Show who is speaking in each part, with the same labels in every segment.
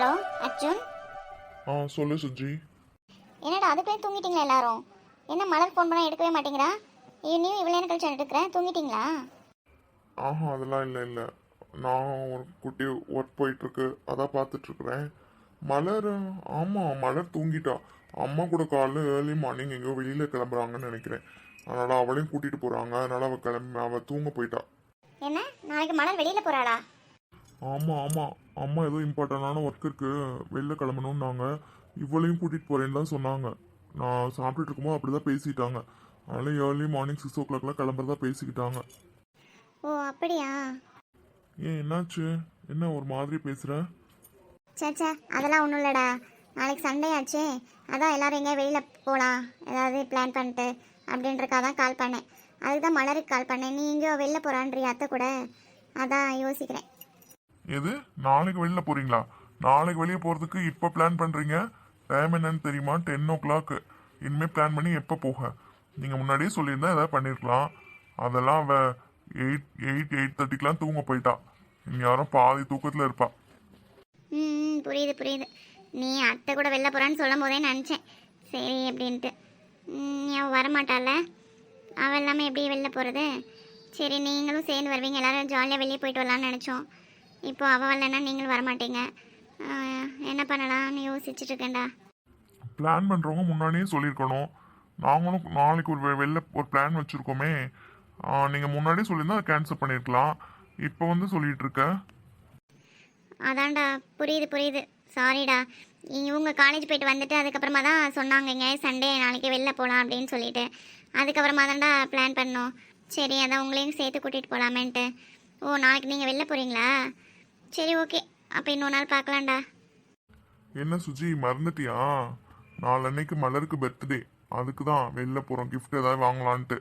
Speaker 1: Hello Arjun.
Speaker 2: சொல்லு சுஜி.
Speaker 1: என்னடா அதுக்குள்ளே தூங்கிட்டீங்களா எல்லாரும்? என்ன மலர் ஃபோன் பண்ணால் எடுக்கவே மாட்டேங்கிறா? நீயும் இவ்வளோ நேரம் கழிச்சு எடுக்கிறேன், தூங்கிட்டீங்களா?
Speaker 2: அதெல்லாம் இல்லை நான் ஒரு குட்டி ஒர்க் போயிட்டுருக்கு, அதான் பார்த்துட்ருக்குறேன். மலர், ஆமாம் மலர் தூங்கிட்டா. அம்மா கூட காலைல ஏர்லி மார்னிங் எங்கேயோ வெளியில் கிளம்புறாங்கன்னு நினைக்கிறேன். அதனால் அவளையும் கூட்டிகிட்டு போகிறாங்க, அதனால் அவள் தூங்க போயிட்டா.
Speaker 1: என்ன நாளைக்கு மலர் வெளியில் போகிறாளா?
Speaker 2: ஆமாம் அம்மா ஏதோ இம்பார்ட்டண்டான ஒர்க் இருக்குது, வெளில கிளம்பணுன்னாங்க. இவளையும் கூட்டிகிட்டு போகிறேன்னு தான் சொன்னாங்க. நான் சாப்பிட்டுட்டு இருக்கும்போது அப்படி தான் பேசிட்டாங்க. அதனால் ஏர்லி மார்னிங் 6 o'clock கிளம்புறதா பேசிக்கிட்டாங்க.
Speaker 1: ஓ அப்படியா?
Speaker 2: ஏன் என்னாச்சு? என்ன ஒரு மாதிரி பேசுகிற?
Speaker 1: சேச்சா அதெல்லாம் ஒன்றும் இல்லைடா. நாளைக்கு சண்டே ஆச்சே, அதான் எல்லோரும் எங்கேயா வெளியில் போகலாம் ஏதாவது பிளான் பண்ணிட்டு அப்படின்றக்காக தான் கால் பண்ணேன். அதுக்கு தான் மலருக்கு கால் பண்ணேன். நீ எங்கேயோ வெளில போகிறான்றி அத்தை கூட, அதான் யோசிக்கிறேன்.
Speaker 2: எது நாளைக்கு வெளில போகிறீங்களா? நாளைக்கு வெளியே போகிறதுக்கு இப்போ பிளான் பண்ணுறீங்க? டைம் என்னன்னு தெரியுமா? 10 o'clock. இனிமேல் பிளான் பண்ணி எப்போ போக? நீங்கள் முன்னாடியே சொல்லியிருந்தா எதாவது பண்ணியிருக்கலாம். அதெல்லாம் அவள் 8:30 தூங்க போயிட்டா. யாரும் பாதி தூக்கத்தில் இருப்பா.
Speaker 1: புரியுது. நீ அத்தை கூட வெளில போகிறான்னு சொல்லும் போதே நினச்சேன் சரி அப்படின்ட்டு. அவள் வரமாட்டால, அவள் எல்லாமே எப்படி வெளில போகிறது? சரி நீங்களும் சேர்ந்து வருவீங்க, எல்லோரும் ஜாலியாக வெளியே போயிட்டு வரலான்னு நினச்சோம். இப்போ அவள் வரலன்னா நீங்களும் வரமாட்டீங்க. என்ன பண்ணலாம்னு யோசிச்சுட்டு இருக்கேன்டா.
Speaker 2: பிளான் பண்ணுறவங்க முன்னாடியே சொல்லியிருக்கணும். நாங்களும் நாளைக்கு வெளில ஒரு பிளான் வச்சுருக்கோமே. நீங்கள் முன்னாடியே சொல்லியிருந்தா அதை கேன்சல் பண்ணியிருக்கலாம். இப்போ வந்து சொல்லிகிட்டு இருக்க.
Speaker 1: அதான்டா புரியுது. சாரிடா. இவங்க காலேஜ் போயிட்டு வந்துட்டு அதுக்கப்புறமா தான் சொன்னாங்க இங்கே சண்டே நாளைக்கு வெளில போகலாம் அப்படின்னு சொல்லிட்டு. அதுக்கப்புறமா தான்டா பிளான் பண்ணோம். சரி அதான் உங்களையும் சேர்த்து கூட்டிகிட்டு போகலாமேன்ட்டு. ஓ நாளைக்கு நீங்கள் வெளில போகிறீங்களா? சரி ஓகே, அப்போ இன்னொரு நாள் பார்க்கலாம்டா.
Speaker 2: என்ன சுஜி மறந்துட்டியா? நாளன்னைக்கு மலருக்கு பர்த்டே, அதுக்கு தான் வெளில போகிறோம், கிஃப்ட் ஏதாவது வாங்கலான்ட்டு.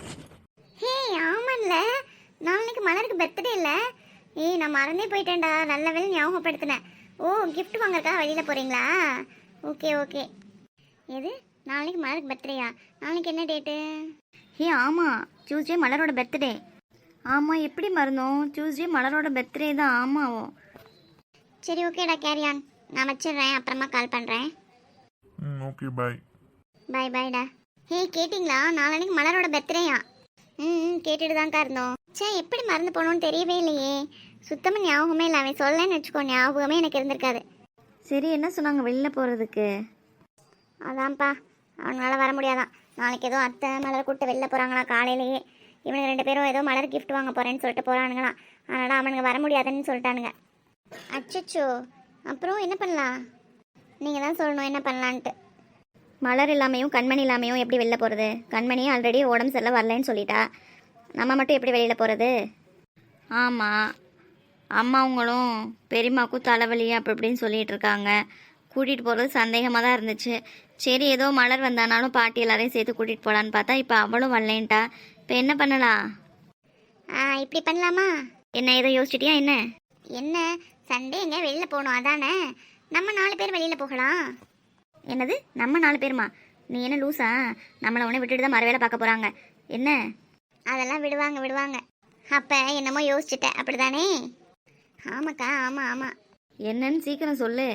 Speaker 1: ஹே ஆமாம்ல, நாளைக்கு மலருக்கு பர்த்டே இல்லை? நான் மறந்தே போயிட்டேன்டா, நல்ல வேலை ஞாபகப்படுத்தினேன். ஓ கிஃப்ட் வாங்கறதுக்காக வெளியில் போகிறீங்களா? ஓகே. எது நாளைக்கு மலருக்கு பர்த்டேயா? நாளைக்கு என்ன டேட்டு?
Speaker 3: ஆமாம், டியூஸ்டே மலரோட பர்த்டே. ஆமாம், எப்படி மறந்தோம்? டியூஸ்டே மலரோட பர்த்டே தான். ஆமாவும்.
Speaker 1: சரி ஓகேடா, கேரியான். நான் வச்சிடுறேன், அப்புறமா கால் பண்ணுறேன்.
Speaker 2: Okay bye.
Speaker 1: பாய்டா. கேட்டிங்களா? நாளைக்கு மலரோட பர்த்டேயா? கேட்டுட்டு தான்க்கா இருந்தோம். எப்படி மறந்து போனோன்னு தெரியவே இல்லையே. சுத்தமாக ஞாபகமே இல்லை. அவன் சொல்லலன்னு வச்சுக்கோ, ஞாபகமே எனக்கு இருந்திருக்காது.
Speaker 3: சரி என்ன சொன்னாங்க வெளில போகிறதுக்கு?
Speaker 1: அதான்ப்பா, அவனால வர முடியாதான். நாளைக்கு ஏதோ அத்தை மலர் கூப்பிட்டு வெளில போகிறாங்களா காலையிலேயே. இவனுங்க 2 பேரும் ஏதோ மலர் கிஃப்ட் வாங்க போகிறேன்னு சொல்லிட்டு போகிறானுங்களாம். அதனால் அவனுங்க வர முடியாதுன்னு சொல்லிட்டானுங்க. அச்சோ, அப்புறம் என்ன பண்ணலாம்? நீங்கள் தான் சொல்லணும் என்ன பண்ணலான்ட்டு.
Speaker 3: மலர் இல்லாமையும் கண்மணி இல்லாமையும் எப்படி வெளில போகிறது? கண்மணியும் ஆல்ரெடி உடம்பு சரியில்லை வரலன்னு சொல்லிட்டா. நம்ம மட்டும் எப்படி வெளியில் போகிறது? ஆமாம், அம்மாவங்களும் பெரியம்மாவுக்கும் தலைவலி அப்படி இப்படின்னு சொல்லிகிட்டு இருக்காங்க. கூட்டிகிட்டு போகிறது சந்தேகமாக தான் இருந்துச்சு. சரி ஏதோ மலர் வந்தானாலும் பாட்டி எல்லாரையும் சேர்த்து கூட்டிகிட்டு போகலான்னு பார்த்தா இப்போ அவளும் வரலேன்ட்டா. இப்போ என்ன பண்ணலாம்?
Speaker 1: இப்படி பண்ணலாமா?
Speaker 3: என்ன ஏதோ யோசிச்சிட்டியா?
Speaker 1: என்ன சண்டே எங்கே வெளியில் போகணும் அதானே? நம்ம 4 பேர் வெளியில் போகலாம்.
Speaker 3: என்னது நம்ம 4 பேருமா? நீ என்ன லூஸா? நம்மளை உடனே விட்டுட்டு தான் மறு வேலை பார்க்க போகிறாங்க என்ன?
Speaker 1: அதெல்லாம் விடுவாங்க. அப்போ என்னமோ யோசிச்சுட்டேன் அப்படிதானே? ஆமாக்கா, ஆமாம்.
Speaker 3: என்னன்னு சீக்கிரம் சொல்லு.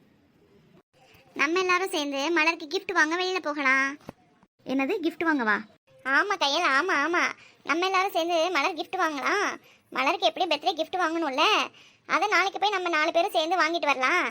Speaker 1: நம்ம எல்லாரும் சேர்ந்து மலருக்கு கிஃப்ட் வாங்க வெளியில் போகலாம்.
Speaker 3: என்னது கிஃப்ட் வாங்கவா?
Speaker 1: ஆமாம் கையில், ஆமாம். நம்ம எல்லாரும் சேர்ந்து மலர் கிஃப்ட் வாங்கலாம். மலருக்கு எப்படி பர்த்டே கிஃப்ட் வாங்கணும்ல, அதை நாளைக்கு போய் நம்ம 4 பேரும் சேர்ந்து வாங்கிட்டு வரலாம்.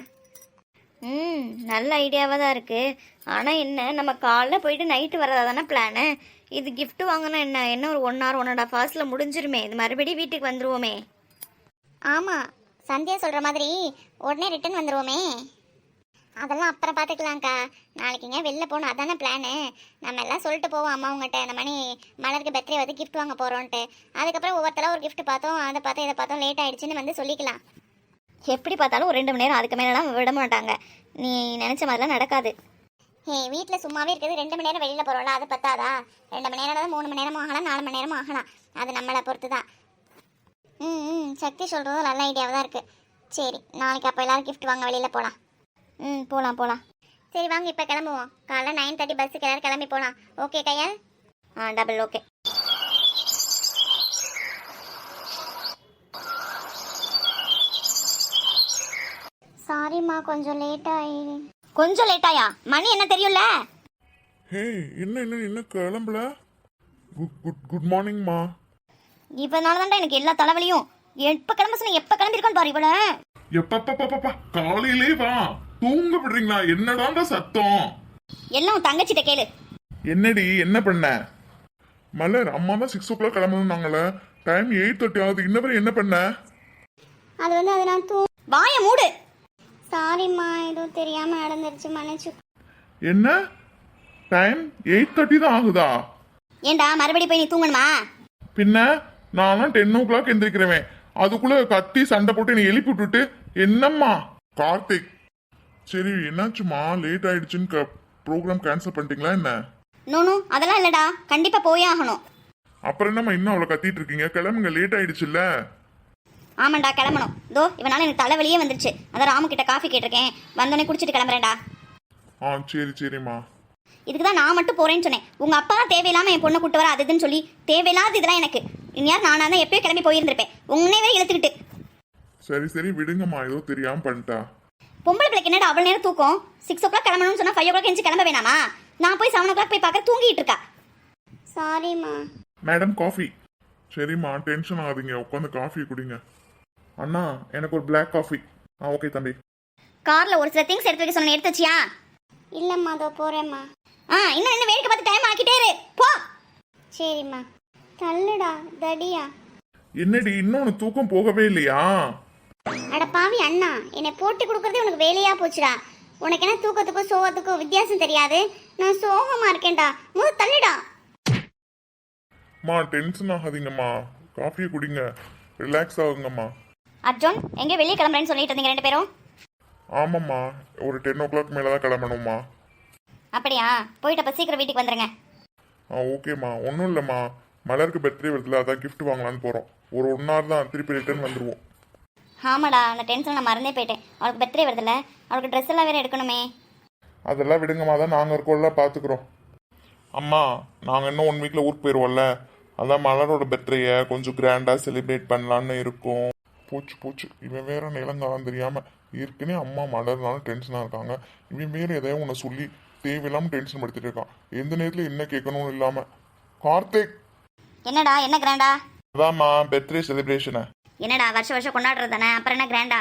Speaker 3: நல்ல ஐடியாவாக தான் இருக்குது. ஆனால் என்ன, நம்ம காலைல போயிட்டு நைட்டு வரதா தானே பிளானு. இது கிஃப்ட் வாங்கினா என்ன ஒரு 1 hour 1.5 hours முடிஞ்சிருமே. இது மறுபடியும் வீட்டுக்கு வந்துடுவோமே.
Speaker 1: ஆமாம், சந்தியா சொல்கிற மாதிரி உடனே ரிட்டன் வந்துடுவோமே. அதெல்லாம் அப்புறம் பார்த்துக்கலாம்க்கா. நாளைக்குங்க வெளில போகணும் அதானே பிளானு. நம்ம எல்லாம் சொல்லிட்டு போவோம் அம்மா உங்கள்கிட்ட, இந்த மாதிரி மலருக்கு பர்த்டே வந்து கிஃப்ட் வாங்க போகிறோன்ட்டு. அதுக்கப்புறம் ஒவ்வொருத்தலாம் ஒரு கிஃப்ட் பார்த்தோம், அதை பார்த்தோம், இதை பார்த்தோம், லேட் ஆகிடுச்சின்னு வந்து சொல்லிக்கலாம்.
Speaker 3: எப்படி பார்த்தாலும் ஒரு 2 மணி நேரம் அதுக்கு மேலாம் விட மாட்டாங்க. நீ நினச்ச மாதிரிலாம் நடக்காது.
Speaker 1: வீட்டில் சும்மாவே இருக்குது. 2 மணி நேரம் வெளியில் போகிறோம்ல, அது பத்தாதா? 2 மணி நேரம், 3 மணி நேரமும் ஆகலாம், 4 மணி நேரமும் ஆகலாம். அது நம்மளை பொறுத்து தான். சக்தி சொல்கிறதும் நல்ல ஐடியாவாக தான் இருக்குது. சரி நாளைக்கு அப்போ எல்லோரும் கிஃப்ட் வாங்க வெளியில் போகலாம்.
Speaker 3: போகலாம்.
Speaker 1: சரி வாங்க இப்போ கிளம்புவோம். காலைல 9:30 பஸ்ஸுக்கு எல்லோரும் கிளம்பி போகலாம். ஓகே கையால்?
Speaker 3: Double okay.
Speaker 1: சாரி சாரிம்மா கொஞ்சம் லேட் ஆகி.
Speaker 3: கொஞ்சம் லேட்டாயா? மணி என்ன தெரியும்ல?
Speaker 2: ஹே என்ன கிளம்பல? குட் குட் குட் மார்னிங்மா.
Speaker 3: இவனால தான்டா எனக்கு எல்லா தலைவலியும். எப்ப கிளம்ப சொன்ன, எப்ப கிளம்பிருக்கான்னு பாரு இவள.
Speaker 2: எப்பப்பா காலையிலே வா. தூங்க விடுறீங்களா? என்னடாண்டா சத்தம்?
Speaker 3: எல்லாம் உன் தங்கச்சிட்ட கேளு.
Speaker 2: என்னடி என்ன பண்ண? மலர் அம்மா தான் 6 o'clock கிளம்பணும்னாங்களே. டைம் 8:30 ஆகுது. இன்ன வரை என்ன பண்ண?
Speaker 1: அது வந்து அது நான்
Speaker 3: வாய மூடு.
Speaker 1: சாரிம்மா ஏதோ தெரியாம நடந்துருச்சு, மன்னிச்சு.
Speaker 2: என்ன டைம் 8:30 தான் ஆகுதா?
Speaker 3: ஏண்டா மறுபடியும் போய் நீ தூங்கணுமா?
Speaker 2: பின்ன நான்லாம் 10 o'clock எந்திரிக்கிறவன். அதுக்குள்ள கத்தி சண்டை போட்டு நீ எழுப்பி விட்டுட்டு என்னம்மா? கார்த்திக் சரி என்னாச்சுமா? லேட் ஆயிடுச்சுன்னு ப்ரோக்ராம் கேன்சல் பண்ணிட்டீங்களா என்ன?
Speaker 3: நோ அதெல்லாம் இல்லடா, கண்டிப்பா போயே ஆகணும்.
Speaker 2: அப்புறம் என்னம்மா இன்னும் அவ்வளோ கத்திட்டு இருக்கீங்க? கிளம்புங்க, லேட் ஆயிடுச்சுல்ல.
Speaker 3: ஆமாண்டா கிளம்பணும். தோ இவனால எனக்கு தலைவலியே வந்துருச்சு. அதான் ராமு கிட்ட காஃபி கேட்டிருக்கேன், வந்தோடனே குடிச்சிட்டு கிளம்புறேன்டா.
Speaker 2: சரிம்மா.
Speaker 3: இதுக்கு தான் நான் மட்டும் போறேன்னு சொன்னேன். உங்க அப்பா தான் தேவையில்லாம என் பொண்ணை கூட்டு வர அதுன்னு சொல்லி தேவையில்லாத இதெல்லாம் எனக்கு. இனியார் நானா தான் எப்பயோ கிளம்பி போயிருந்திருப்பேன். உன்னை வேற இழுத்துக்கிட்டு.
Speaker 2: சரி விடுங்கம்மா, ஏதோ தெரியாம பண்ணிட்டா.
Speaker 3: பொம்பளை பிள்ளைக்கு என்னடா அவ்வளவு நேரம் தூக்கம்? 6 o'clock கிளம்பணும்னு சொன்னா 5 o'clock எஞ்சி கிளம்ப வேணாமா? நான் போய் 7 o'clock போய் பார்க்க தூங்கிட்டு இருக்கா.
Speaker 1: சாரிம்மா.
Speaker 2: Madam coffee. சரிம்மா டென்ஷன் ஆகாதீங்க, உட்காந்து காஃபி குடிங்க. அண்ணா எனக்கு ஒரு பிளாக் காஃபி. ஓகே தம்பி.
Speaker 3: கார்ல ஒரு சில திங்ஸ் எடுத்து வைக்க சொன்ன, எடுத்து வச்சியா?
Speaker 1: இல்லம்மா அதோ போறேம்மா.
Speaker 3: இன்னும் என்ன வேடிக்கை பார்த்து டைம் ஆக்கிட்டே இரு போ.
Speaker 1: சரிம்மா. தள்ளுடா தடியா.
Speaker 2: என்னடி இன்னும் உனக்கு தூக்கம் போகவே இல்லையா?
Speaker 1: அட பாவி அண்ணா, என்னை போட்டு கொடுக்கறதே உனக்கு வேலையா போச்சுடா. உனக்கு என்ன தூக்கத்துக்கும் சோகத்துக்கும் வித்தியாசம் தெரியாது? நான் சோகமா இருக்கேன்டா. தள்ளுடா.
Speaker 2: டென்ஷன் ஆகாதீங்கம்மா, காஃபியை குடிங்க, ரிலாக்ஸ் ஆகுங்கம்மா.
Speaker 3: அர்ஜுன் எங்கே வெளியே கிளம்புறேன்னு சொல்லிட்டு இருந்தீங்க ரெண்டு பேரும்?
Speaker 2: ஆமாம்மா, ஒரு 10 o'clock மேலே தான் கிளம்பணும்மா.
Speaker 3: அப்படியா? போயிட்டு அப்போ சீக்கிரம் வீட்டுக்கு வந்துருங்க.
Speaker 2: ஓகேம்மா. ஒன்றும் இல்லைம்மா, மலருக்கு பர்த்டே வருதுல, அதான் கிஃப்ட் வாங்கலான்னு போகிறோம். ஒரு 1 hour தான், திருப்பி ரிட்டர்ன் வந்துடுவோம்.
Speaker 3: ஆமாடா, அந்த டென்ஷன் நான் மறந்தே போயிட்டேன். அவளுக்கு பர்த்டே வருதுல்ல, அவளுக்கு ட்ரெஸ் எல்லாம் வேற எடுக்கணுமே.
Speaker 2: அதெல்லாம் விடுங்கம்மா, தான் நாங்கள் இருக்கோம்ல, பார்த்துக்குறோம். அம்மா நாங்கள் இன்னும் 1 weekல ஊருக்கு போயிடுவோம்ல, அதான் மலரோட பர்த்டேயை கொஞ்சம் கிராண்டாக செலிப்ரேட் பண்ணலான்னு இருக்கோம். போச்சு இவன் வேற நிலங்காலம் தெரியாமல் ஏற்கனவே அம்மா மலர்னால டென்ஷனாக இருக்காங்க. இவன் வேற எதையும் உன்னை சொல்லி தேவையில்லாமல் டென்ஷன் படுத்திட்டு இருக்கான். எந்த நேரத்தில் என்ன கேட்கணும்னு இல்லாமல். கார்த்திக்
Speaker 3: என்னடா என்ன கிராண்டா?
Speaker 2: அதாம்மா பர்த்டே செலிப்ரேஷனை.
Speaker 3: என்னடா வருஷம் கொண்டாடுறது தானே, அப்புறம் என்ன கிராண்டா?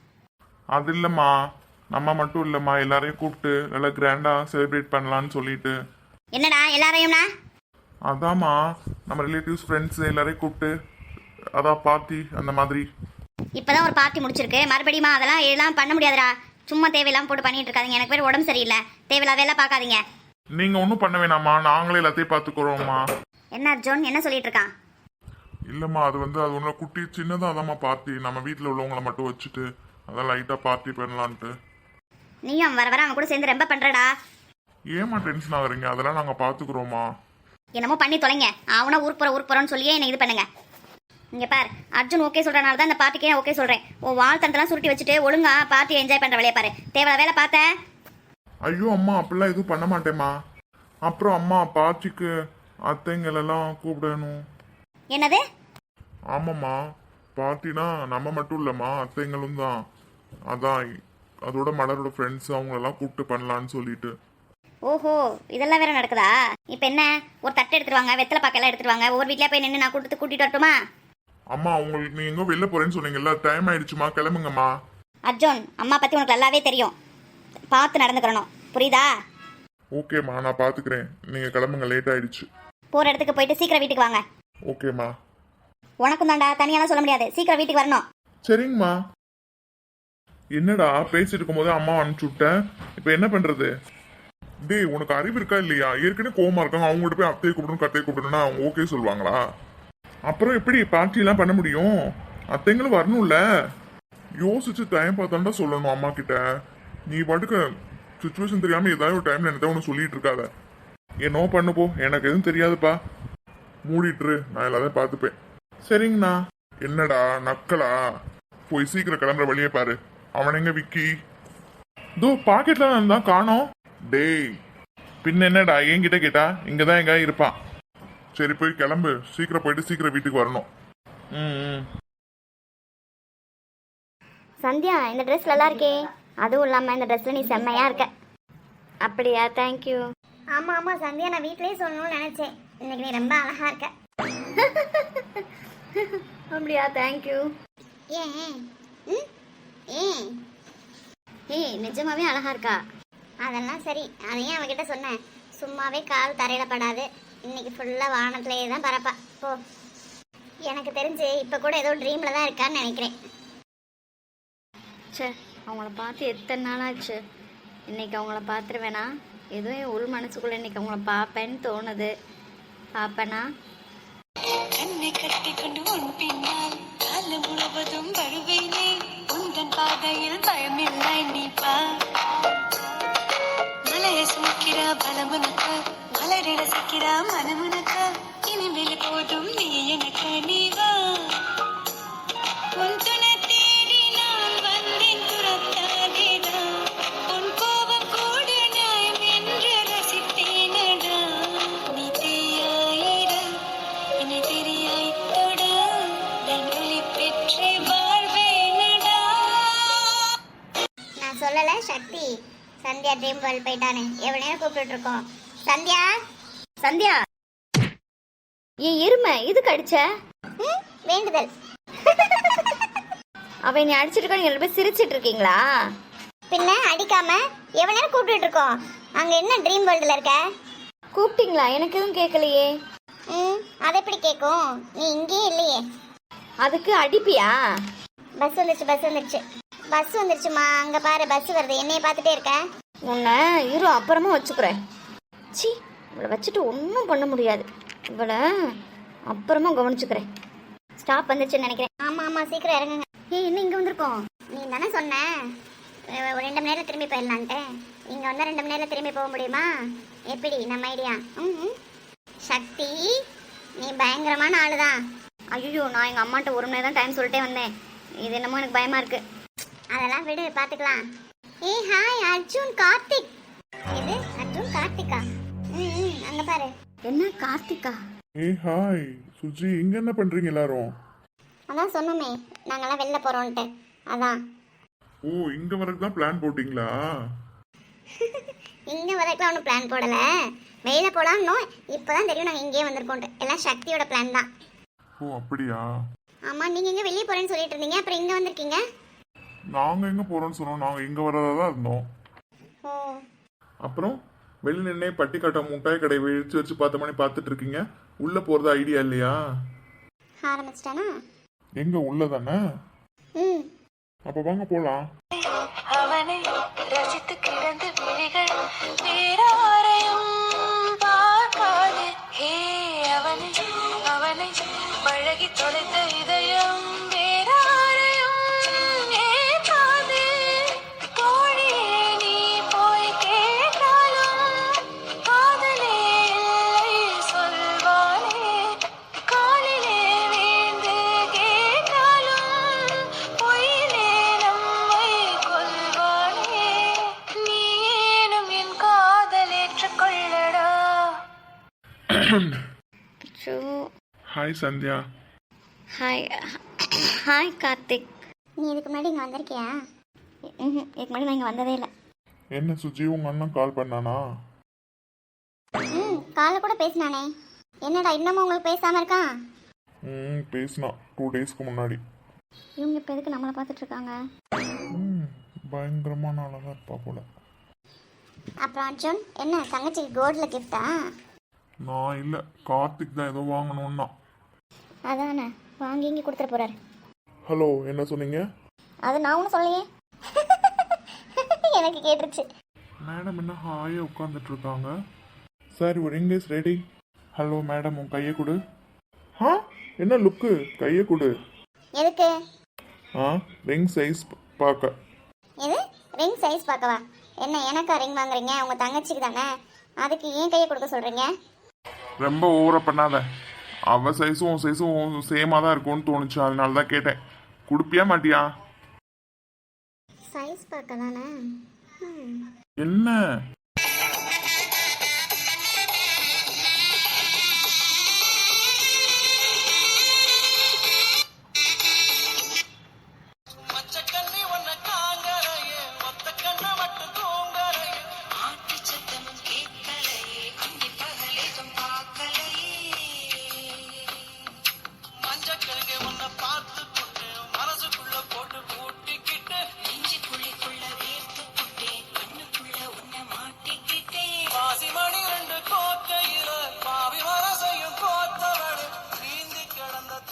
Speaker 2: அது இல்லைம்மா, நம்ம மட்டும் இல்லைம்மா, எல்லாரையும் கூப்பிட்டு நல்லா கிராண்டாக செலிப்ரேட் பண்ணலான்னு சொல்லிட்டு.
Speaker 3: என்னடா எல்லாரையும்னா?
Speaker 2: அதாம்மா நம்ம ரிலேட்டிவ்ஸ் ஃப்ரெண்ட்ஸ் எல்லாரையும் கூப்பிட்டு அதான் பார்ட்டி அந்த மாதிரி.
Speaker 3: இப்பதான் ஒரு பார்ட்டி முடிச்சிருக்கு, மறுபடியுமா அதெல்லாம் எல்லாம் பண்ண முடியாதுடா. சும்மா தேவையில்லாம போட்டு பண்ணிட்டு இருக்காதீங்க. எனக்கு பேர் உடம்பு சரியில்லை, தேவையில்லாத வேலை பார்க்காதீங்க.
Speaker 2: நீங்க ஒன்றும் பண்ண வேணாம்மா, நாங்களே எல்லாத்தையும் பார்த்துக்குறோம்மா.
Speaker 3: என்ன அர்ஜுன் என்ன சொல்லிட்டு இருக்கான்?
Speaker 2: இல்லைம்மா, அது ஒன்றும் குட்டி சின்னதாக அதாம்மா பார்ட்டி, நம்ம வீட்டில் உள்ளவங்கள மட்டும் வச்சுட்டு அதான் லைட்டாக பார்ட்டி பண்ணலான்ட்டு.
Speaker 3: நீயும் வர அவன் கூட சேர்ந்து ரொம்ப பண்றடா.
Speaker 2: ஏம்மா டென்ஷன் ஆகுறீங்க? அதெல்லாம் நாங்கள் பார்த்துக்குறோம்மா.
Speaker 3: என்னமோ பண்ணி தொலைங்க. அவனா ஊருக்கு போறோன்னு சொல்லியே என்ன இது பண்ணுங்க. இங்க பார், அர்ஜுன் ஓகே சொல்றனால தான் இந்த பார்ட்டிக்கே ஓகே சொல்றேன். உன் வாழ்த்தனத்தெல்லாம் சுருட்டி வச்சுட்டு ஒழுங்கா பார்ட்டி என்ஜாய் பண்ற வேலையை பாரு. தேவையான வேலை பார்த்த?
Speaker 2: ஐயோ அம்மா, அப்படிலாம் எதுவும் பண்ண மாட்டேம்மா. அப்புறம் அம்மா பார்ட்டிக்கு அத்தைங்களெல்லாம் கூப்பிடணும்.
Speaker 3: என்னது?
Speaker 2: ஆமாம்மா, பார்ட்டினா நம்ம மட்டும் இல்லைம்மா, அத்தைங்களும் தான். அதான் அதோட மலரோட ஃப்ரெண்ட்ஸ் அவங்களெல்லாம் கூப்பிட்டு பண்ணலான்னு சொல்லிட்டு.
Speaker 3: ஓஹோ, இதெல்லாம் வேற நடக்குதா? இப்போ என்ன, ஒரு தட்டு எடுத்துருவாங்க, வெத்தலை பாக்கெல்லாம் எடுத்துருவாங்க, ஒவ்வொரு வீட்லயே போய் நின்று நான் கூட்டிட்டு வரட்டுமா?
Speaker 2: அம்மா உங்களுக்கு நீ எங்கோ வெளில போறேன்னு சொன்னீங்கல்ல, டைம் ஆயிடுச்சுமா, கிளம்புங்கம்மா.
Speaker 3: அர்ஜுன் அம்மா பத்தி உனக்கு நல்லாவே தெரியும், பார்த்து நடந்துக்கிறணும், புரியுதா?
Speaker 2: ஓகேம்மா, நான் பாத்துக்கிறேன், நீங்க கிளம்புங்க, லேட் ஆயிடுச்சு.
Speaker 3: போற இடத்துக்கு போயிட்டு சீக்கிரம் வீட்டுக்கு வாங்க.
Speaker 2: ஓகேம்மா.
Speaker 3: உனக்கும் தாண்டா, தனியாலாம் சொல்ல முடியாது, சீக்கிரம் வீட்டுக்கு வரணும்.
Speaker 2: சரிங்கம்மா. என்னடா பேசிட்டு இருக்கும் போது அம்மா அனுப்பிச்சு விட்டேன், இப்போ என்ன பண்றது? டேய் உனக்கு அறிவு இருக்கா இல்லையா? ஏற்கனவே கோவமா இருக்காங்க, அவங்ககிட்ட போய் அத்தையை கூப்பிடணும் கத்தையை கூப்பிடணும்னா அவங்க ஓகே சொல்லுவாங்களா? அப்புறம் எப்படி பார்ட்டி எல்லாம் பண்ண முடியும்? அத்தைங்களும் வரணும்ல. யோசிச்சு டைம் பார்த்தாண்டா சொல்லணும் அம்மா கிட்ட. நீ பாட்டுக்கு சுச்சுவேஷன் தெரியாம ஏதாவது ஒரு டைம்ல என்ன ஒன்று சொல்லிட்டு இருக்காத. என்னோ பண்ணு போ, எனக்கு எதுவும் தெரியாதுப்பா, மூடிட்டுரு, நான் எல்லாத்தையும் பார்த்துப்பேன். சரிங்கண்ணா. என்னடா நக்கலா? போய் சீக்கிரம் கிளம்புற வழியே பாரு. அவன் எங்க விக்கி? தோ பாக்கெட்ல இருந்தா காணோம். டேய் பின்ன என்னடா என்கிட்ட கேட்டா? இங்கதான் எங்க இருப்பான். சரி போய் கிளம்பு, சீக்கிரம் போயிட்டு சீக்கிரம் வீட்டுக்கு வரணும்.
Speaker 1: சந்தியா, இந்த ட்ரெஸ் நல்லா இருக்கே,
Speaker 3: அதுவும் இல்லாமல் இந்த ட்ரெஸ்ஸில் நீ செம்மையாக இருக்க. அப்படியா? தேங்க்யூ.
Speaker 1: ஆமாம் ஆமாம் சந்தியா, நான் வீட்லேயே சொல்லணும்னு நினச்சேன். இன்னைக்கு நீ ரொம்ப அழகா இருக்க.
Speaker 3: அப்படியா? தேங்க்யூ.
Speaker 1: ஏன் ம் ஏன்
Speaker 3: ஏய், நிஜமாவே அழகா இருக்கா.
Speaker 1: அதெல்லாம் சரி, அதையும் அவகிட்ட சொன்னேன். சும்மாவே கால் தரையில படாது, இன்னைக்கு ஃபுல்லாக வானத்திலேயே தான் பரப்பா. போ. எனக்கு தெரிஞ்சு இப்போ கூட ஏதோ ட்ரீமில் தான் இருக்கான்னு நினைக்கிறேன்.
Speaker 3: சே, அவங்கள பார்த்து எத்தனை நாளாச்சு. இன்னைக்கு அவங்கள பார்த்துருவேனா? ஏதோ என் உள் மனசுக்குள்ளே இன்னைக்கு அவங்கள பார்ப்பேன்னு தோணுது. பார்ப்பேனா?
Speaker 4: கண்ணை கட்டி கொண்டு உன் பின்னால் காலம் முழுவதும் வருவேனே, உந்தன் பாதையில் பயமில்லை நீ பா. மலையை சுமக்கிறா பலமுனக்க, மலரிட சிக்கிறா மனமுனக்க, இனிமேல் போதும் நீ எனக்கு நீ வா. உன் துணை தேடி நான் வந்தேன், துரத்தாதேடா. உன் கோபம் கூட நியாயம் என்று ரசித்தேனடா. நீ தீயாயிட என்னை தெரியாய் தொட, நான் ஒளி பெற்றே வாழ்வேனடா.
Speaker 1: நான் சொல்லலை சக்தி, சந்தியா ட்ரீம் வேர்ல்ட் போயிட்டானு எவ்வளோ நேரம் கூப்பிட்டு இருக்கோம். சந்தியா
Speaker 3: சந்தியா, என் எருமை இதுக்கு அடிச்ச?
Speaker 1: வேண்டுதல்.
Speaker 3: அவ என்னை அடிச்சிருக்கா? நீங்க ரெண்டு பேரும் சிரிச்சிட்டு இருக்கீங்களா?
Speaker 1: பின்ன அடிக்காம எவ்வளோ நேரம் கூப்பிட்டு இருக்கோம். அங்கே என்ன ட்ரீம் வேர்ல்டில் இருக்க?
Speaker 3: கூப்பிட்டீங்களா? எனக்கு எதுவும் கேட்கலையே.
Speaker 1: அது எப்படி கேட்கும், நீ இங்கேயே இல்லையே.
Speaker 3: அதுக்கு அடிப்பியா?
Speaker 1: பஸ் வந்துருச்சு, பஸ் வந்துருச்சு, பஸ் வந்துருச்சுமா. அங்கே பாரு பஸ் வருது, என்னைய பார்த்துட்டே இருக்க.
Speaker 3: உன்னை இரு, அப்புறமா வச்சுக்கிறேன். சி, இவளை வச்சுட்டு ஒன்றும் பண்ண முடியாது. இவளை அப்புறமா கவனிச்சுக்கிறேன். ஸ்டாப் வந்துச்சுன்னு நினைக்கிறேன்.
Speaker 1: ஆமாம் ஆமாம், சீக்கிரம் இறங்குங்க.
Speaker 3: ஏய், என்ன இங்கே வந்திருக்கோம்?
Speaker 1: நீ தானே சொன்ன ஒரு 2 மணி நேரம் திரும்பி போயிடலான்ட்டு. இங்கே வந்தால் 2 மணி நேரம் திரும்பி போக முடியுமா? எப்படி நம்ம ஐடியா? சக்தி, நீ பயங்கரமான ஆளு தான்.
Speaker 3: ஐயோ, நான் எங்கள் அம்மாட்ட 1 மணி நேரம் தான் டைம் சொல்லிட்டே வந்தேன். இது என்னமோ எனக்கு பயமாக இருக்கு.
Speaker 1: அதெல்லாம் விடு, பார்த்துக்கலாம். ஏய் ஹாய், அர்ஜுன் கார்த்திக். இது அர்ஜுன் கார்த்திகா? அங்கே பாரு.
Speaker 3: என்ன கார்த்திகா?
Speaker 2: ஏய் ஹாய் சுஜி, இங்க என்ன பண்றீங்க எல்லாரும்?
Speaker 1: அதான் சொன்னோமே, நாங்கெல்லாம் வெளில போகிறோன்ட்டு. அதான்
Speaker 2: ஓ, இங்க வரைக்கும் தான் பிளான் போட்டீங்களா?
Speaker 1: இங்கே வரைக்கும் ஒன்றும் பிளான் போடலை. வெளியில போகலான்னு இப்போ தான் தெரியும் நாங்கள் இங்கேயே வந்திருக்கோன்ட்டு. எல்லாம் சக்தியோட பிளான் தான்.
Speaker 2: ஓ அப்படியா?
Speaker 1: ஆமாம், நீங்கள் எங்கே வெளியே போகிறேன்னு சொல்லிட்டு இருந்தீங்க, அப்புறம் இங்கே வந்திருக்கீங்க.
Speaker 2: நாங்க எங்க போறோம்னு சொன்னோம், நாங்க இங்க வரதா தான் இருந்தோம்.
Speaker 1: ஓ,
Speaker 2: அப்புறம் வெளில நின்னே பட்டி கட்ட முட்டாய் கடை வச்சு வச்சு 10 மணி பார்த்துட்டு இருக்கீங்க. உள்ள போறது ஐடியா இல்லையா?
Speaker 1: ஆரம்பிச்சிட்டானா?
Speaker 2: எங்க உள்ள தானே?
Speaker 1: ம்,
Speaker 2: அப்ப வாங்க போலாம்.
Speaker 4: அவனை ரசித்து கிடந்த விழிகள் வேறாரையும் பார்க்காது. ஹே, அவனை அவனை பழகி தொலைத்த இதயம் வேறாரையும் ஏற்காது. தோழியே நீ போய் கேட்டாலும் காதலே இல்லை சொல்வாளே. காலிலே வீழ்ந்து கேட்டாலும் பொய்யிலே நம்மை கொல்வாளே. நீ ஏனும் என் காதல் ஏற்றுக்கொள்ளடா.
Speaker 3: Show.
Speaker 2: Hi Sandhya.
Speaker 3: Hi. Hi Karthik.
Speaker 1: நீ இதுக்கு முன்னாடி இங்கே வந்திருக்கியா?
Speaker 3: இதுக்கு முன்னாடி நான் இங்கே வந்ததே இல்லை.
Speaker 2: என்ன சுஜி, உங்க அண்ணன் கால் பண்ணானா?
Speaker 1: காலை கூட பேசினானே. என்னடா இன்னமும் உங்களுக்கு பேசாமல் இருக்கான்?
Speaker 2: பேசினான் 2 டேஸ்க்கு முன்னாடி.
Speaker 3: இவங்க இப்போ எதுக்கு நம்மளை பார்த்துட்டு இருக்காங்க?
Speaker 2: பயங்கரமான ஆளாக தான் இருப்பா போல.
Speaker 1: அப்புறம் அர்ஜுன், என்ன தங்கச்சிக்கு கோல்டில் கிஃப்டா?
Speaker 2: நான் இல்லை, கார்த்திக் தான் ஏதோ வாங்கணும்னா.
Speaker 3: அதானே, வாங்கி இங்கே கொடுத்துட போகிறாரு.
Speaker 2: ஹலோ, என்ன சொன்னீங்க?
Speaker 3: அது நான் ஒன்றும் சொல்லையே.
Speaker 1: எனக்கு கேட்டுருச்சு.
Speaker 2: மேடம் என்ன ஹாயாக உட்காந்துட்டு இருக்காங்க. சார், ஒரு இங்கிலீஷ் ரெடி. ஹலோ மேடம், உன் கையை கொடு. என்ன லுக்கு? கையை கொடு.
Speaker 1: எதுக்கு?
Speaker 2: ரிங் சைஸ் பார்க்க.
Speaker 1: எது ரிங் சைஸ் பார்க்கவா? என்ன எனக்கா ரிங் வாங்குறீங்க? உங்கள் தங்கச்சிக்கு தானே, அதுக்கு ஏன் கையை கொடுக்க சொல்கிறீங்க?
Speaker 2: ரொம்ப ஓவரா பண்ணாத. அவ சைஸும் உன் சைஸும் சேமாக தான் இருக்கும்னு தோணுச்சு, அதனால தான் கேட்டேன். கொடுப்பியா மாட்டியா?
Speaker 1: சைஸ் பார்க்க தானே.
Speaker 2: என்ன
Speaker 4: மச்சக்கண்ணி ஒன்ன காங்கரையே ஒத்த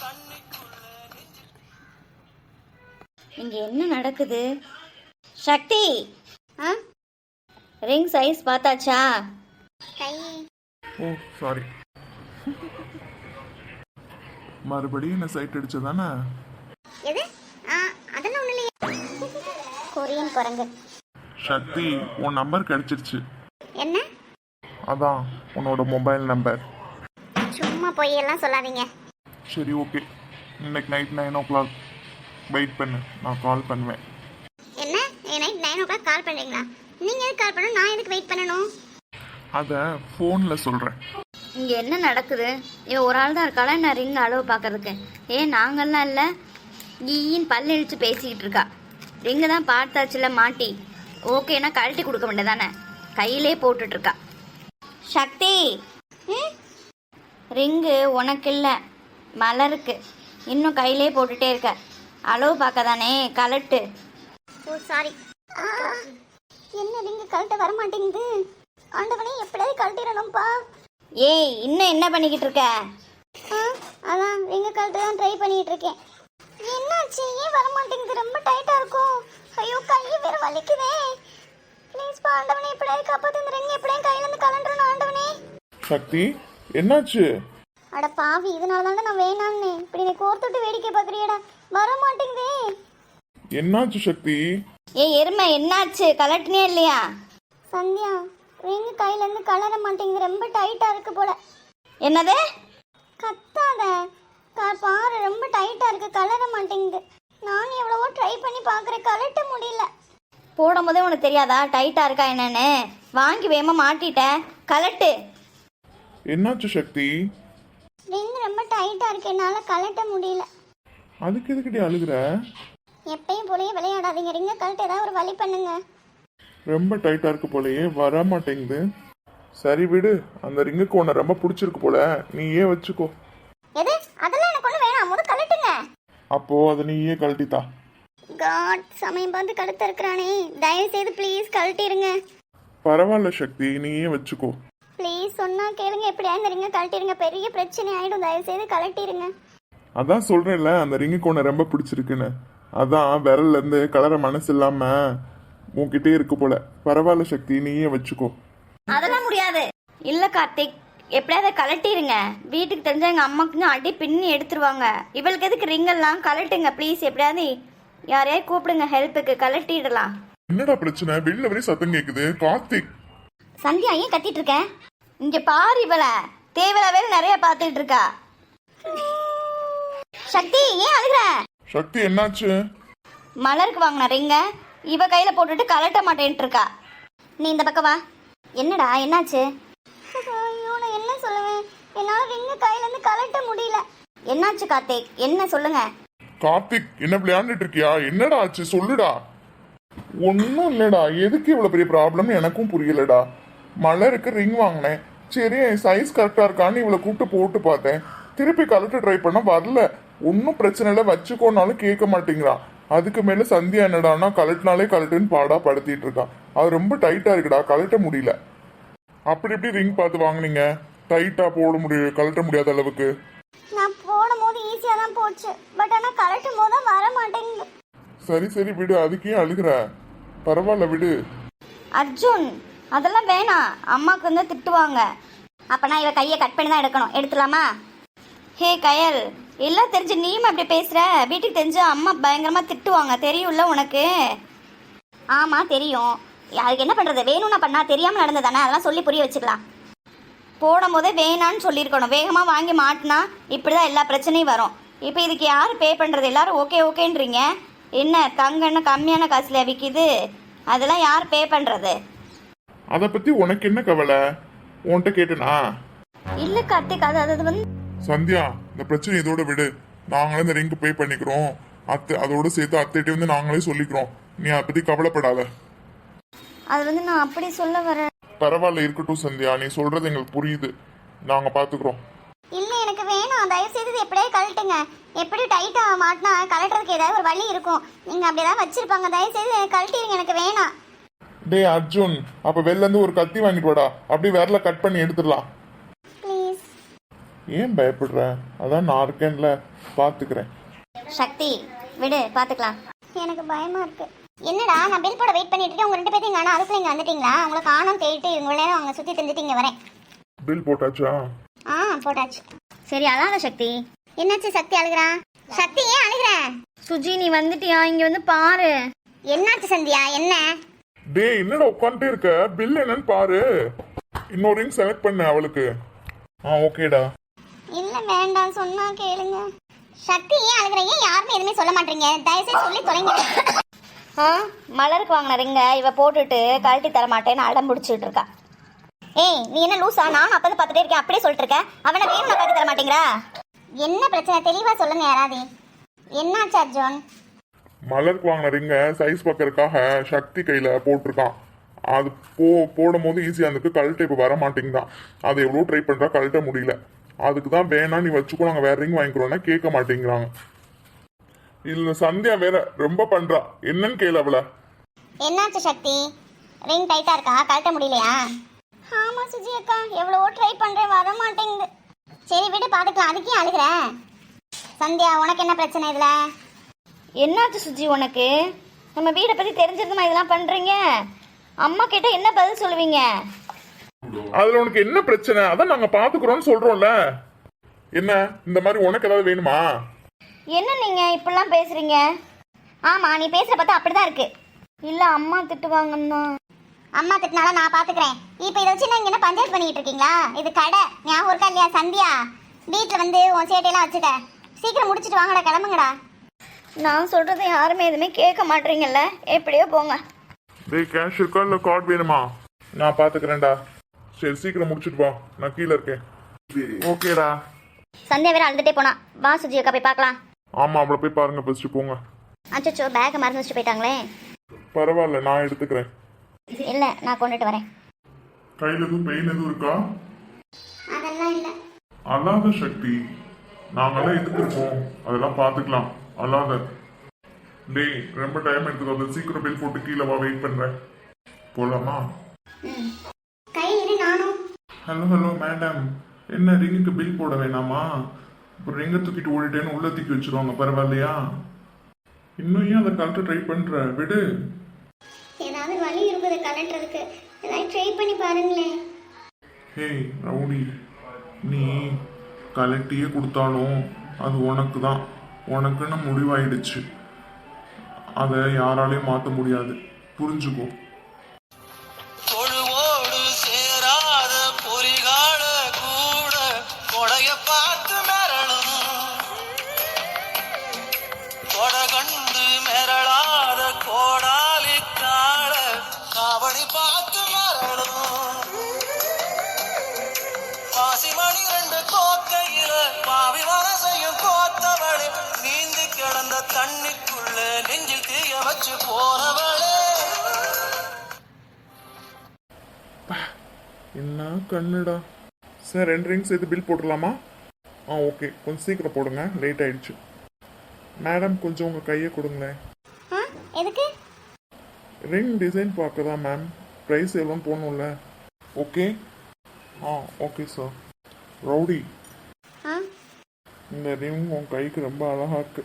Speaker 3: இங்க என்ன நடக்குது? சக்தி,
Speaker 1: ஆ
Speaker 3: ரிங் சைஸ் பார்த்தாச்சா?
Speaker 1: கை
Speaker 2: ஓ சாரி. மறுபடியும் என்ன சைட் அடிச்சதானே?
Speaker 1: எது? அதெல்லாம் ஒன்றும் இல்லையே. கொரியன் குரங்கு.
Speaker 2: சக்தி, உன் நம்பர் கிடைச்சிருச்சு.
Speaker 1: என்ன?
Speaker 2: அதான் உன்னோட மொபைல் நம்பர்.
Speaker 1: சும்மா பொய்யெல்லாம் சொல்லாதீங்க.
Speaker 2: சரி ஓகே, இன்னைக்கு நைட் 9 o'clock வெயிட் பண்ணு, நான் கால் பண்ணுவேன்.
Speaker 1: என்ன? நைட் 9 o'clock கால் பண்ணுறீங்களா? நீங்கள் எதுக்கு கால் பண்ணணும்? நான் எதுக்கு வெயிட் பண்ணணும்?
Speaker 2: அதை ஃபோனில் சொல்கிறேன்.
Speaker 3: இங்க என்ன நடக்குது? இவன் ஒரு ஆள் தான் இருக்காளா நான் ரிங் அளவு பார்க்கறதுக்கு? நாங்கள்லாம் இல்லை, ஈன்னு பல்லு இழிச்சு பேசிக்கிட்டு இருக்கா. ரிங்கு தான் பார்த்தாச்சுல மாட்டி, ஓகேனா கழட்டி கொடுக்க வேண்டியதானே? கையிலே போட்டுட்டு இருக்கா. சக்தி, ரிங்கு உனக்கு இல்லை, மலருக்கு. இன்னும் கையிலே போட்டுட்டே இருக்க. அளவு பார்க்க தானே, கலட்டு.
Speaker 1: ஓ சாரி. என்ன ரிங்கு கழட்ட வர மாட்டேங்குது? ஆண்டவனே, எப்படியாவது கழட்டிடணும்ப்பா.
Speaker 3: இன்னும் என்ன பண்ணிக்கிட்டு இருக்க?
Speaker 1: அதான் ரிங்கு கழட்ட தான் ட்ரை பண்ணிட்டு இருக்கேன். என்னாச்சு? ஏன் வர மாட்டேங்குது? ரொம்ப டைட்டா இருக்கும். ஐயோ, கை வேற வலிக்குதே. ப்ளீஸ் பா ஆண்டவனே, எப்படியாவது காப்பாத்து. இந்த ரிங் எப்படியும் கையில இருந்து கலண்டறணும் ஆண்டவனே.
Speaker 2: சக்தி, என்னாச்சு?
Speaker 1: அட பாவி, இதனால தானே நான் வேணாம்னே. இப்படி நீ கோர்த்துட்டு வேடிக்கை பார்க்குறியடா. வர மாட்டேங்குதே.
Speaker 2: என்னாச்சு சக்தி?
Speaker 3: எருமை, என்னாச்சு? கலட்டினே இல்லையா?
Speaker 1: சந்தியா, ரிங் கையில இருந்து கலர மாட்டேங்குது. ரொம்ப டைட்டா இருக்கு போல.
Speaker 3: என்னது?
Speaker 1: கத்தாத. பாரு, ரொம்ப டைட்டா இருக்கு, கலர மாட்டேங்குது. நான் எவ்வளவோ ட்ரை பண்ணி பார்க்குறேன், கலட்ட முடியல.
Speaker 3: போடும் போதே உனக்கு தெரியாதா டைட்டா இருக்கா என்னன்னு? வாங்கி வேகமா மாட்டிட்ட, கலட்டு.
Speaker 2: என்னாச்சு சக்தி?
Speaker 1: ரிங் ரொம்ப டைட்டா இருக்கு, என்னால கலட்ட முடியல.
Speaker 2: அதுக்கு எதுக்கிட்டே அழுகுற?
Speaker 1: எப்பயும் போலயே விளையாடாதீங்க. ரிங்க கலட்ட ஏதாவது ஒரு வழி பண்ணுங்க.
Speaker 2: ரொம்ப டைட்டா இருக்கு போலயே, வர மாட்டேங்குது. சரி விடு, அந்த ரிங்குக்கு உன்னை ரொம்ப பிடிச்சிருக்கு போல, நீயே வச்சுக்கோ.
Speaker 1: எது? அதெல்லாம் எனக்கு ஒண்ணு வேணாம், முத கலட்டுங்க.
Speaker 2: அப்போ அதை நீயே கழட்டித்தா.
Speaker 1: காட், சமயம் பார்த்து கழுத்து இருக்கிறானே. தயவு செய்து ப்ளீஸ் கழட்டிருங்க.
Speaker 2: பரவாயில்ல சக்தி, நீயே வச்சுக்கோ.
Speaker 1: ப்ளீஸ் சொன்னா கேளுங்க, எப்படியா இந்த ரிங்க கழட்டிருங்க. பெரிய பிரச்சனை ஆயிடும், தயவு செய்து கழட்டிருங்க.
Speaker 2: அதான் சொல்றேன்ல, அந்த ரிங்குக்கு உன்னை ரொம்ப பிடிச்சிருக்குன்னு. அதான் விரல்ல இருந்து கலர மனசு இல்லாம உன்கிட்டே இருக்கு போல. பரவாயில்ல சக்தி, நீயே வச்சுக்கோ.
Speaker 3: அதெல்லாம் முடியாது. இல்ல கார்த்திக், எப்படியாவது கலட்டிருங்க. வீட்டுக்கு தெரிஞ்ச எங்க அம்மாக்கு அடி பின்னி எடுத்துருவாங்க. இவளுக்கு எதுக்கு ரிங் எல்லாம்? கலட்டுங்க ப்ளீஸ். எப்படியாவது யாரையாவது கூப்பிடுங்க ஹெல்ப்புக்கு, கலட்டிடலாம்.
Speaker 2: என்னடா பிரச்சனை? வெளில வரையும் சத்தம் கேக்குது. கார்த்திக்.
Speaker 3: சந்தியா, ஏன் கத்திட்டு இருக்க? இங்க பாரு, இவள தேவையில்லாவே நிறைய பாத்துட்டு இருக்கா. சக்தி, ஏன் அழுகுற?
Speaker 2: சக்தி, என்னாச்சு?
Speaker 3: மலருக்கு வாங்கின ரிங்க இவ கையில போட்டுட்டு கலட்ட மாட்டேன்ட்டு இருக்கா. நீ இந்த பக்கம் வா. என்னடா, என்னாச்சு?
Speaker 1: ஐயோ, நான் என்ன சொல்லுவேன்? என்னால ரிங்க கையில இருந்து கலட்ட முடியல.
Speaker 3: என்னாச்சு கார்த்திக்? என்ன சொல்லுங்க.
Speaker 2: கார்த்திக், என்ன விளையாண்டுட்டு இருக்கியா? என்னடா ஆச்சு, சொல்லுடா. ஒன்னும் இல்லடா, எதுக்கு இவ்வளவு பெரிய ப்ராப்ளம் எனக்கும் புரியலடா. மலருக்கு ரிங் வாங்கினேன், சரி சைஸ் கரெக்டா இருக்கான்னு இவளை கூப்பிட்டு போட்டு பார்த்தேன். திருப்பி கலட்ட ட்ரை பண்ண வரல. ஒன்னும் பிரச்சனை இல்லை, வச்சுக்கோனாலும் கேட்க மாட்டேங்கிறான். அதுக்கு மேல சந்தியா என்னடானா கலட்டினாலே கலட்டுன்னு பாடா படுத்திட்டு இருக்கான். அது ரொம்ப டைட்டா இருக்குடா, கலட்ட முடியல. அப்படி எப்படி ரிங் பார்த்து வாங்குனீங்க? டைட்டா போட முடியும், கலட்ட முடியாத அளவுக்கு.
Speaker 1: நான் போடும் போது ஈஸியா தான் போச்சு, பட் ஆனா கலட்டும் போது தான் வர மாட்டேங்குது.
Speaker 2: சரி சரி விடு, அதுக்கே அழுகுற. பரவாயில்ல விடு.
Speaker 3: அர்ஜுன், அதெல்லாம் வேணாம், அம்மாவுக்கு வந்து திட்டுவாங்க. அப்பனா இவ கையை கட் பண்ணி தான் எடுக்கணும். எடுத்துலாமா? ஹே கயல், எல்லாம் தெரிஞ்சு நீயும் அப்படி பேசுற. வீட்டுக்கு தெரிஞ்சு அம்மா பயங்கரமா திட்டுவாங்க, தெரியும்ல உனக்கு? ஆமா தெரியும். அதுக்கு என்ன பண்றது? வேணும்னா பண்ணா, தெரியாம நடந்ததானே, அதெல்லாம் சொல்லி புரிய வச்சுக்கலாம். போடும் போதே வேணான்னு சொல்லியிருக்கணும். வேகமா வாங்கி மாட்டினா இப்படிதான் எல்லா பிரச்சனையும் வரும். இப்போ இதுக்கு யாரு பே பண்றது? எல்லாரும் ஓகே ஓகேன்றீங்க. என்ன தங்கன்னு கம்மியான காசுல விற்கிது, அதெல்லாம் யார் பே பண்றது?
Speaker 2: அத பத்தி உனக்கு என்ன கவலை? உன்கிட்ட கேட்டனா?
Speaker 3: இல்ல கார்த்திக், அது வந்து
Speaker 2: சந்தியா, இந்த பிரச்சனை இதோட விடு. நாங்களே இந்த ரிங்க் பே பண்ணிக்கிறோம். அதோட சேர்த்து அத்தைகிட்ட வந்து நாங்களே சொல்லிக்கிறோம். நீ அதை பத்தி கவலைப்படாத.
Speaker 3: அது வந்து நான் அப்படி சொல்ல வரேன்.
Speaker 2: பரவாயில்ல, இருக்கட்டும் சந்தியா, நீ சொல்றது எங்களுக்கு புரியுது, நாங்க பாத்துக்கிறோம்.
Speaker 1: இல்ல, எனக்கு வேணாம். தயவு செய்து எப்படியே கழட்டுங்க. எப்படி டைட்டா மாட்டினா கலட்டுறதுக்கு ஏதாவது ஒரு வழி இருக்கும். நீங்க அப்படியேதான் வச்சிருப்பாங்க. தயவு செய்து கழட்டிடுங்க, எனக்கு வேணாம்.
Speaker 2: டே அர்ஜுன், அப்ப வெளில இருந்து ஒரு கத்தி வாங்கிட்டு வாடா, அப்படியே விரல கட் பண்ணி எடுத்துடலாம்.
Speaker 1: ப்ளீஸ்.
Speaker 2: ஏன் பயப்படுற? அதான் நான் இருக்கேன்ல, பார்த்துக்கிறேன்.
Speaker 3: சக்தி விடு, பார்த்துக்கலாம்.
Speaker 1: எனக்கு பயமா இருக்கு. என்னடா நான் பில் போட வெயிட் பண்ணிட்டு இருக்கேன். உங்க 2 பேத்தையும் காணோம். அதுக்குள்ள இங்க வந்துட்டீங்களா? உங்களை காணோம் தேடிட்டு இவங்க நேரம் அவங்க சுத்தி தெரிஞ்சுட்டு வரேன்.
Speaker 2: பில் போட்டாச்சா?
Speaker 1: போட்டாச்சு.
Speaker 3: சரி அழாத சக்தி.
Speaker 1: என்னாச்சு? சக்தி அழுகிறா? சக்தி ஏன் அழுகிற?
Speaker 3: சுஜி நீ வந்துட்டியா? இங்க வந்து பாரு.
Speaker 1: என்னாச்சு சந்தியா? என்ன?
Speaker 2: டேய் என்னடா உட்காந்துட்டே இருக்க? பில் என்னன்னு பாரு. இன்னொரு ரிங் செலக்ட் பண்ண அவளுக்கு. ஓகேடா.
Speaker 1: இல்ல வேண்டாம், சொன்னா கேளுங்க. சக்தி ஏன் அழுகிற? ஏன் யாருமே எதுவுமே சொல்ல மாட்டீங்க? தயவுசெய்து சொல்லி தொலைங்க.
Speaker 3: மலருக்கு வாங்கின ரிங்க இவ போட்டுட்டு கழட்டி தர மாட்டேன்னு அடம் பிடிச்சிட்டு இருக்கா. ஏய் நீ என்ன லூசா? நானும் அப்பதான் பார்த்துட்டே இருக்கேன், அப்படியே சொல்லிட்டு இருக்கேன். அவனை வேணும் கழட்டி தர மாட்டேங்கிறா.
Speaker 1: என்ன பிரச்சனை? தெளிவா சொல்லுங்க யாராவது. என்னாச்சு அர்ஜுன்?
Speaker 2: மலருக்கு வாங்கின ரிங்க சைஸ் பார்க்கறதுக்காக சக்தி கையில போட்டிருக்கான். அது போடும் போது ஈஸியா இருந்துக்கு, கழட்ட இப்போ வர மாட்டேங்குதான். அதை எவ்வளோ ட்ரை பண்றா, கழட்ட முடியல. அதுக்கு தான் வேணா நீ வச்சுக்கோ, நாங்கள் வேற ரிங் வாங்கிக்கிறோன்னா கேட்க மாட்டேங்கிறாங்க. இல்ல சந்தியா வேற ரொம்ப பண்றா. என்னன்னு கேளு அவள.
Speaker 1: என்னாச்சு சக்தி? ரிங் டைட்டா இருக்கா? கழட்ட முடியலையா? ஆமா சுஜி அக்கா, எவ்வளவோ ட்ரை பண்றேன், வர மாட்டேங்குது. சரி விடு, பாத்துக்கலாம். அதுக்கே அழுகிற? சந்தியா உனக்கு என்ன பிரச்சனை இதுல?
Speaker 3: என்னாச்சு சுஜி உனக்கு? நம்ம வீடை பத்தி தெரிஞ்சிருந்தமா இதெல்லாம் பண்றீங்க? அம்மா கேட்டா என்ன பதில் சொல்லுவீங்க?
Speaker 2: அதுல உனக்கு என்ன பிரச்சனை? அதான் நாங்க பாத்துக்கிறோம்னு சொல்றோம்ல. என்ன இந்த மாதிரி உனக்கு ஏதாவது வேணுமா?
Speaker 3: என்ன நீங்க இப்படிலாம் பேசுறீங்க?
Speaker 1: ஆமா, நீ பேசுற பார்த்தா அப்படிதான் இருக்கு.
Speaker 3: இல்ல அம்மா திட்டுவாங்கன்னா.
Speaker 1: அம்மா திட்டினாலும் நான் பாத்துக்கிறேன். இப்ப இதை வச்சு நீங்க என்ன பஞ்சாயத்து பண்ணிட்டு இருக்கீங்களா? இது கடை, ஞாபகம் இருக்கா இல்லையா? சந்தியா, வீட்டுல வந்து உன் சேட்டையெல்லாம் வச்சுக்க. சீக்கிரம் முடிச்சிட்டு வாங்கடா, கிளம்புங்கடா.
Speaker 3: நான் சொல்றதை யாருமே எதுவுமே கேட்க மாட்டீங்கல்ல, எப்படியோ போங்க.
Speaker 2: டேய் கேஷ் இருக்கா இல்ல கார்டு வேணுமா? நான் பாத்துக்கிறேன்டா. சரி சீக்கிரம் முடிச்சிட்டு வா, நான் கீழே இருக்கேன். ஓகேடா.
Speaker 3: சந்தியா வேற அழுதுட்டே போனா. வா சுஜி அக்கா போய் பார்க்கலாம்.
Speaker 2: ஆமா அவளை போய் பாருங்க, ஃபர்ஸ்ட் போங்க.
Speaker 3: அச்சோ பேக்கை மறந்து வச்சுட்டு போயிட்டாங்களே.
Speaker 2: பரவாயில்ல, நான் எடுத்துக்கிறேன்.
Speaker 3: இல்ல நான் கொண்டுட்டு வரேன்.
Speaker 2: கையில எதுவும் பெயின் எதுவும் இருக்கா?
Speaker 1: அதெல்லாம் இல்ல.
Speaker 2: அல்லாத சக்தி, நாங்கெல்லாம் எதுக்கு இருக்கோம், அதெல்லாம் பாத்துக்கலாம். அல்லாத. டேய் ரொம்ப டைம் எடுத்துக்கோ, சீக்கிரம் பில் போட்டு கீழே வா, வெயிட் பண்றேன். போலாமா?
Speaker 1: கை இரு, நானும்.
Speaker 2: ஹலோ மேடம், என்ன ரிங்குக்கு பில் போட வேணாமா? இப்போ ரிங்கை தூக்கிட்டு ஓடிட்டேன்னு உள்ள தூக்கி வச்சிருவாங்க, பரவாயில்லையா? இன்னும் ஏன் அதை கலட்ட ட்ரை பண்ற? விடு.
Speaker 1: ஏதாவது வழி இருக்குது கலட்டுறதுக்கு, ஏதாவது ட்ரை பண்ணி பாருங்களேன்.
Speaker 2: ஹேய் ரவுடி, நீ கலட்டியே கொடுத்தாலும் அது உனக்கு தான். உனக்குன்னு முடிவாயிடுச்சு. அதை யாராலையும் மாற்ற முடியாது, புரிஞ்சுக்கோ.
Speaker 5: தொழுவோடு சேராத பொறிகால கூட கொடைய பார்த்து மிரளும், கொடை கண்டு மிரளாத கோடாலி கால காவடி பார்த்து மிரளும். பாசிமணி 2 கோக்கையில பாவி மனசையும் கோத்தவளே, நீந்தி கிடந்த தண்ணிக்குள்ள நெஞ்சில் தீய வச்சு போனவளே.
Speaker 2: என்ன கண்ணுடா. சார் 2 ரிங்ஸ் சேர்த்து பில் போட்டுடலாமா? ஓகே, கொஞ்சம் சீக்கிரம் போடுங்க, லேட் ஆயிடுச்சு. மேடம் கொஞ்சம் உங்கள் கையை கொடுங்களேன்.
Speaker 1: எதுக்கு?
Speaker 2: ரிங் டிசைன் பார்க்க தான் மேம். ப்ரைஸ் எவ்வளோன்னு போடணும்ல. ஓகே. Okay sir. ரவுடி, இந்த ரிங் உன் கைக்கு ரொம்ப அழகா இருக்கு.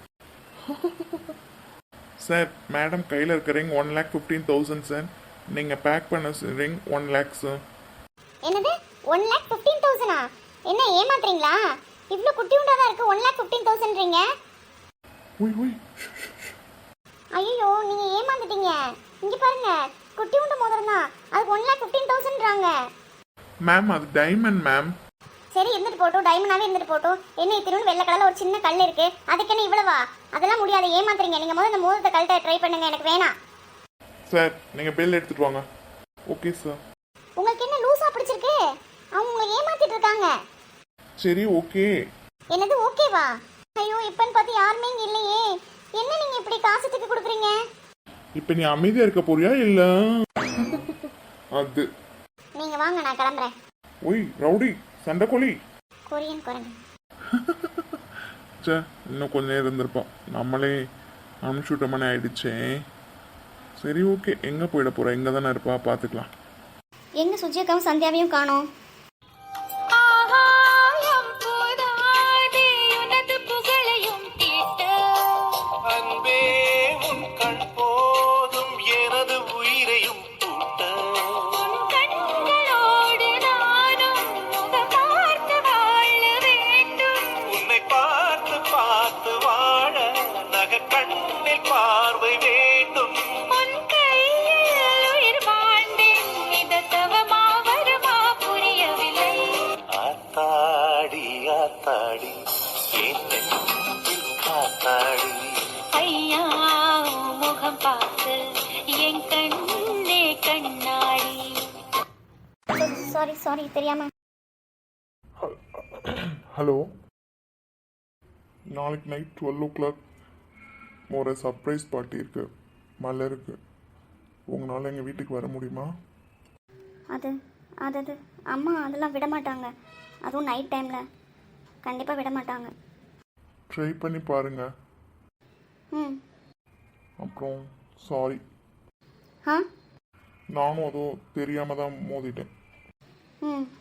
Speaker 2: சார் மேடம் கையில் இருக்க ரிங் 1,15,000 சார். நீங்கள் பேக் பண்ண ரிங் 1 lakh சார்.
Speaker 1: என்னது 1,15,000? என்ன ஏமாத்துறீங்களா? இவ்வளோ குட்டி உண்டாதான் இருக்கு, 1,15,000ன்றீங்க?
Speaker 2: உய்
Speaker 1: ஐயோ, நீங்க ஏமாந்துட்டீங்க. இங்க பாருங்க, குட்டி உண்ட மோதிரம் தான், அதுக்கு 1,15,000ன்றாங்க.
Speaker 2: மேம் அது டைமண்ட் மேம்.
Speaker 1: சரி இருந்துட்டு போட்டோம், டைமண்டாவே இருந்துட்டு போட்டோம். என்ன திரும்ப வெள்ளை கலர்ல ஒரு சின்ன கல் இருக்கு, அதுக்கு என்ன இவ்வளவா? அதெல்லாம் முடியாது, ஏமாத்துறீங்க. நீங்க முதல்ல இந்த மோதிரத்தை கழட்ட ட்ரை பண்ணுங்க, எனக்கு வேணாம்.
Speaker 2: சார் நீங்கள் பில் எடுத்துட்டு வாங்க. Okay sir.
Speaker 1: உங்களுக்கு என்ன லூசா பிடிச்சிருக்கு? அவங்க உங்களை ஏமாத்திட்டு இருக்காங்க.
Speaker 2: சரி ஓகே.
Speaker 1: என்னது ஓகேவா? ஐயோ, இப்பன்னு பார்த்து யாருமே இங்க இல்லையே. என்ன நீங்க இப்படி காசுக்கு கொடுக்குறீங்க?
Speaker 2: இப்போ நீ அமைதியாக இருக்க போறியா இல்லை? அது
Speaker 1: நீங்க வாங்க, நான் கிளம்புறேன்.
Speaker 2: ஒய் ரவுடி, சண்டைக்கோழி.
Speaker 1: கொரியன் குரங்கு.
Speaker 2: சே, இன்னும் கொஞ்ச நேரம் இருந்திருப்போம், நம்மளே அனுப்பிச்சுட்டோம்னு ஆயிடுச்சே. சரி ஓகே, எங்கே போயிட போகிறா? எங்கே தானே இருப்பா, பார்த்துக்கலாம்.
Speaker 3: எங்க சுஜி அக்காவும் சந்தியாவையும் காணோம்.
Speaker 4: ஆகாயம்
Speaker 5: பார்த்து வாழ நகை கண்ணில் பார்வை வேண்டும்.
Speaker 4: உன் கையில் உயிர் வாழ்ந்தேன், இது தவமா வருமா புரியவில்லை.
Speaker 5: ஆத்தாடி ஆத்தாடி என் நெஞ்சில் காத்தாடி.
Speaker 4: ஐயா உன் முகம் பார்த்து என் கண்ணே கண்ணாடி.
Speaker 1: சாரி சாரி தெரியாம.
Speaker 2: ஹலோ, நாளைக்கு நைட் 12 o'clock ஒரு சர்ப்ரைஸ் பார்ட்டி இருக்கு மலருக்கு. உங்களால் எங்கள் வீட்டுக்கு வர முடியுமா?
Speaker 1: அது அது அது அம்மா அதெல்லாம் விட மாட்டாங்க. அதுவும் நைட் டைமில் கண்டிப்பாக விட மாட்டாங்க.
Speaker 2: ட்ரை பண்ணி பாருங்க.
Speaker 1: ம்.
Speaker 2: அப்புறம் சாரி,
Speaker 1: ஆ.
Speaker 2: நானும் அதுவும் தெரியாமல் தான் மோதிட்டேன்.
Speaker 1: ம்.